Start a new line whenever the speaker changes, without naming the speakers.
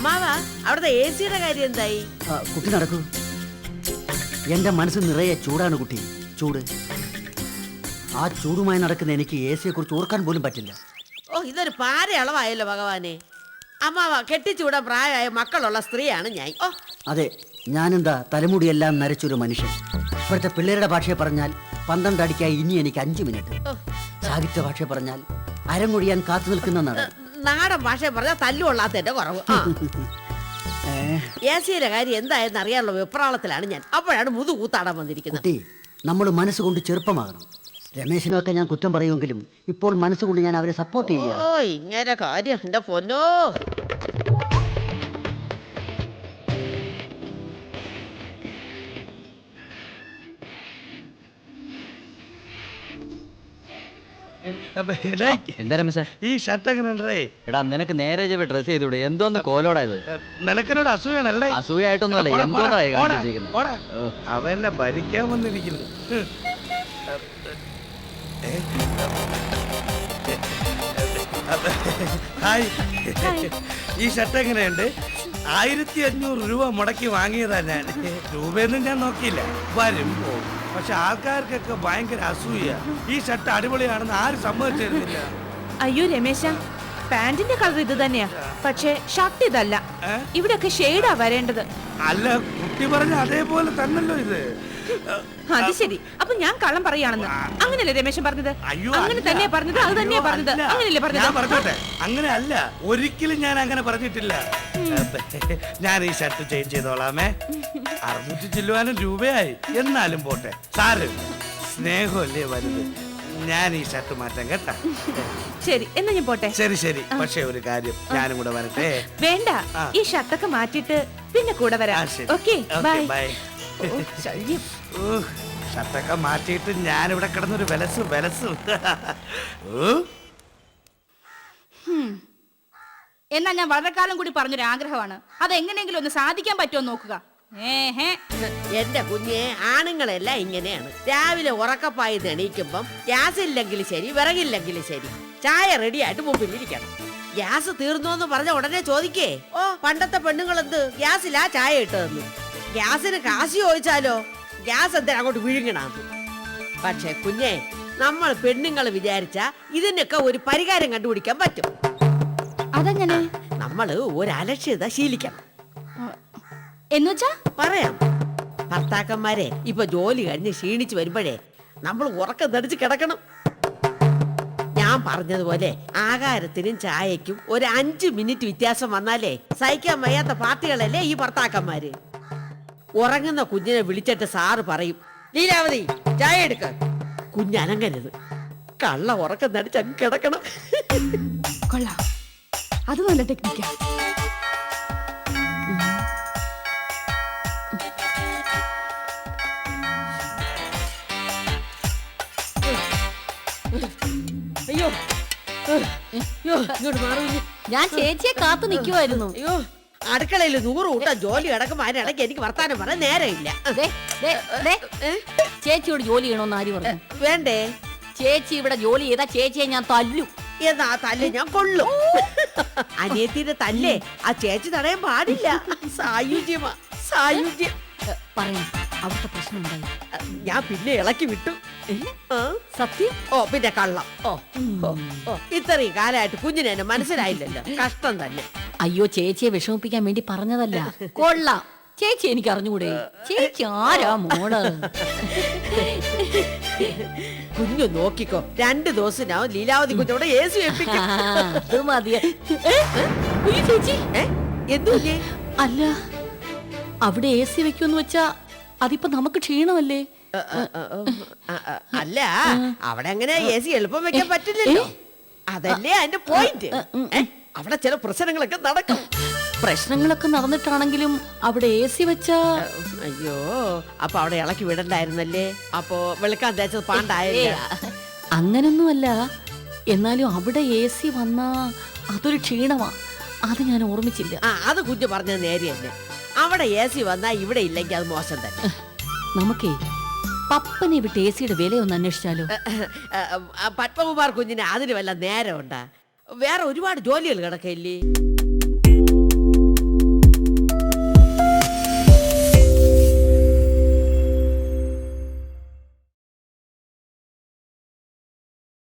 അമ്മാവാ അവിടുത്തെ എ സിയുടെ കാര്യം എന്തായി?
കുട്ടി നടക്കൂ. എന്റെ മനസ്സ് നിറയെ ചൂടാണ് കുട്ടി, ചൂട്. ആ ചൂടുമായി നടക്കുന്ന എനിക്ക് എ സിയെ കുറിച്ച് ഓർക്കാൻ പോലും പറ്റില്ല.
ഓ, ഇതൊരു പാര അളവായല്ലോ ഭഗവാനെ. അമ്മാവാ, കെട്ടിച്ചൂടാൻ പ്രായമായ മക്കളുള്ള സ്ത്രീയാണ് ഞാൻ. ഓ
അതെ, ഞാനെന്താ തലമുടിയെല്ലാം നരച്ചൊരു മനുഷ്യൻ. ഇപ്പോഴത്തെ പിള്ളേരുടെ ഭാഷയെ പറഞ്ഞാൽ 12 അടിക്കായി ഇനി എനിക്ക് 5 മിനിറ്റ്. സാഹിത്യ ഭാഷയെ പറഞ്ഞാൽ അരങ്ങൊഴിയാൻ കാത്തു നിൽക്കുന്ന നടൻ.
നാടൻ ഭാഷയെ പറഞ്ഞാൽ തല്ലുകൊള്ളാത്തതിന്റെ കുറവ്. എ സിയിലെ കാര്യം എന്തായെന്ന് അറിയാനുള്ള വെപ്രാളത്തിലാണ് ഞാൻ. അപ്പോഴാണ് മുതുകൂത്താടാൻ വന്നിരിക്കുന്നത്.
കുട്ടി, നമ്മൾ മനസ്സുകൊണ്ട് ചെറുപ്പമാകണം. രമേശിനൊക്കെ ഞാൻ കുറ്റം പറയുമെങ്കിലും ഇപ്പോൾ മനസ്സുകൊണ്ട് ഞാൻ അവരെ സപ്പോർട്ട് ചെയ്യാം.
ഓ, ഇങ്ങനെ കാര്യം എന്റെ പൊന്നോ.
എന്താ രമേശ
ഈ ഷർട്ട് എങ്ങനെ?
എടാ, നിനക്ക് നേരെ ഡ്രസ് ചെയ്തൂടെ? എന്തോന്ന് കോലോടായത്?
നിനക്കെന്നോട് അസൂയാണല്ലേ?
അസൂയായിട്ടൊന്നുമല്ല, എന്തോന്നായി
അവനെ ഭരിക്കാൻ വന്നിരിക്കുന്നു. ഹായ്, ഈ ഷർട്ട് എങ്ങനെയുണ്ട്? 1500 രൂപ മുടക്കി വാങ്ങിയതാ ഞാൻ. രൂപയൊന്നും ഞാൻ നോക്കിയില്ല, വരും പോകും. പക്ഷെ ആൾക്കാർക്കൊക്കെ ഭയങ്കര അസൂയ. ഈ ഷർട്ട് അടിപൊളിയാണെന്ന് ആരും സമ്മതിച്ചിരുന്നില്ല.
അയ്യോ രമേശ, പാന്റിന്റെ കളർ ഇത് തന്നെയാ, പക്ഷെ ഷർട്ട് ഇതല്ല. ഇവിടെയൊക്കെ ഷെയ്ഡാ വരേണ്ടത്.
അല്ല, കുട്ടി പറഞ്ഞ അതേപോലെ തന്നല്ലോ ഇത്.
അത് ശരി, അപ്പൊ ഞാൻ കള്ളം പറയാണെന്ന് അങ്ങനെയല്ലേ രമേശൻ പറഞ്ഞത്? അങ്ങനെ തന്നെയാ പറഞ്ഞത്, അത് തന്നെയാ പറഞ്ഞത്, അങ്ങനെയല്ലേ പറഞ്ഞത്?
അങ്ങനെ അല്ല, ഒരിക്കലും ഞാൻ അങ്ങനെ പറഞ്ഞിട്ടില്ല. ഞാൻ ഈ ഷർട്ട് ചേഞ്ച് ചെയ്തോളാമേ. 600 ചില്ലുവാനും രൂപയായി. എന്നാലും പോട്ടെ, സാറ് സ്നേഹമല്ലേ വലുത്. ഞാൻ ഈ ഷർട്ട് മാറ്റാൻ കേട്ടാ.
ശരി, എന്നാ ഞാൻ പോട്ടെ.
ശരി ശരി. പക്ഷെ ഒരു കാര്യം, ഞാനും കൂടെ വരട്ടെ?
വേണ്ട, ഈ ഷർട്ടൊക്കെ മാറ്റിട്ട് പിന്നെ കൂടെ വരാം. Okay, bye.
ഷർട്ടൊക്കെ മാറ്റിയിട്ട് ഞാനിവിടെ കിടന്നൊരു വിലസു.
എന്നാ ഞാൻ വളരെ കാലം കൂടി പറഞ്ഞൊരു ആഗ്രഹമാണ്, അത് എങ്ങനെയെങ്കിലും ഒന്ന് സാധിക്കാൻ പറ്റുമോ നോക്കുക.
എന്റെ കുഞ്ഞെ, ആണുങ്ങളെല്ലാം ഇങ്ങനെയാണ്. രാവിലെ ഉറക്കപ്പായി എണീക്കുമ്പം ഗ്യാസ് ഇല്ലെങ്കിലും ശരി, വിറകില്ലെങ്കിലും ശരി, ചായ റെഡിയായിട്ട് മുമ്പിലിരിക്കണം. ഗ്യാസ് തീർന്നോന്ന് പറഞ്ഞ ഉടനെ ചോദിക്കേ, ഓ പണ്ടത്തെ പെണ്ണുങ്ങൾ എന്ത് ഗ്യാസിലാ ചായ ഇട്ടതെന്ന്. ഗ്യാസിന് കാശി ചോദിച്ചാലോ, ഗ്യാസ് എന്തിനാ അങ്ങോട്ട് വിഴുങ്ങണാന്ന്. പക്ഷെ കുഞ്ഞെ, നമ്മൾ പെണ്ണുങ്ങൾ വിചാരിച്ച ഇതിനൊക്കെ ഒരു പരിഹാരം കണ്ടുപിടിക്കാൻ പറ്റും.
അതെങ്ങനെ?
നമ്മള് ഒരു അലക്ഷ്യത ശീലിക്കണം.
എന്നുവെച്ചാ
പറയാം. ഭർത്താക്കന്മാരെ ഇപ്പൊ ജോലി കഴിഞ്ഞ് ക്ഷീണിച്ചു വരുമ്പോഴേ നമ്മൾ ഉറക്കം തടിച്ച് കിടക്കണം. ഞാൻ പറഞ്ഞതുപോലെ ആഹാരത്തിനും ചായക്കും ഒരു 5 മിനിറ്റ് വ്യത്യാസം വന്നാലേ സഹിക്കാൻ വയ്യാത്ത പാർട്ടികളല്ലേ ഈ ഭർത്താക്കന്മാര്. ഉറങ്ങുന്ന കുഞ്ഞിനെ വിളിച്ചിട്ട് സാറ് പറയും, ലീലാവതി ചായ എടുക്ക. കുഞ്ഞനങ്ങരുത്, കള്ള ഉറക്കം തടിച്ചങ്ങ് കിടക്കണം.
കൊള്ളാം, അത് നല്ല ടെക്നിക്കാ.
അയ്യോ ഇങ്ങോട്ട് മാറി.
ഞാൻ ചേച്ചിയെ കാത്തു നിൽക്കുമായിരുന്നു.
അയ്യോ, അടുക്കളയിൽ 100 കൂട്ടം ജോലി കിടക്കുമ്പോ അതിനിടയ്ക്ക് എനിക്ക് വർത്താനം പറയാൻ നേരമില്ല.
ചേച്ചിയോട് ജോലി ചെയ്യണമെന്ന് ആര് പറഞ്ഞു?
വേണ്ടേ?
ചേച്ചി ഇവിടെ ജോലി ചെയ്താ ചേച്ചിയെ ഞാൻ തല്ലും.
എന്നാ തല്ല് ഞാൻ കൊള്ളും. അനിയത്തിന്റെ തല്ലേ ആ ചേച്ചി തടയാൻ പാടില്ല. സായുജ്യമാ, സായുജ്യം.
പറയാം, അവിടുത്തെ പ്രശ്നം ഉണ്ടായി.
ഞാൻ പിന്നെ ഇളക്കി വിട്ടു.
സത്യം?
ഓ പിന്നെ കള്ളം. ഓ ഇത്രയും കാലമായിട്ട് കുഞ്ഞിനെ എന്നെ മനസ്സിലായില്ലല്ലോ. കഷ്ടം തന്നെ.
അയ്യോ, ചേച്ചിയെ വിഷമിപ്പിക്കാൻ വേണ്ടി പറഞ്ഞതല്ല. കൊള്ളാം, ചേച്ചി എനിക്ക് അറിഞ്ഞുകൂടെ? ചേച്ചി ആരാ മോള്?
കുഞ്ഞു നോക്കിക്കോ, 2 ദിവസത്തിനാവും ലീലാവതി കുഞ്ഞോടെ AC വെപ്പിക്കും.
അത് മതിയ. ചേച്ചി
എന്തൂല്ലേ?
അല്ല, അവിടെ AC വെക്കുമെന്ന് വെച്ചാ അതിപ്പോ നമുക്ക് ക്ഷീണമല്ലേ?
അല്ല, അവിടെ അങ്ങനെ AC എളുപ്പം വെക്കാൻ പറ്റില്ലല്ലോ. അതല്ലേ അതിന്റെ പോയിന്റ്. അവിടെ ചില പ്രശ്നങ്ങളൊക്കെ നടക്കും.
പ്രശ്നങ്ങളൊക്കെ നടന്നിട്ടാണെങ്കിലും അവിടെ AC വെച്ചാ.
അയ്യോ, അപ്പൊ അവിടെ ഇളക്കി വിടണ്ടായിരുന്നല്ലേ? അപ്പൊ വെളുക്കാൻ തേച്ചത് പാണ്ടായല്ലേ?
അങ്ങനൊന്നുമല്ല, എന്നാലും അവിടെ AC വന്നാ അതൊരു ക്ഷീണമാ. അത് ഞാൻ ഓർമ്മിച്ചില്ല.
അത് കുഞ്ഞു പറഞ്ഞത് നേരെ തന്നെ. അവിടെ AC വന്നാ ഇവിടെ ഇല്ലെങ്കിൽ അത് മോശം തന്നെ.
നമുക്കേ പപ്പനെ വിട്ട് AC-യുടെ വിലയൊന്ന് അന്വേഷിച്ചാലോ?
പത്മകുമാർ കുഞ്ഞിന് അതിന് വല്ല നേരം ഉണ്ടാ? വേറെ ഒരുപാട് ജോലികൾ കിടക്കില്ലേ?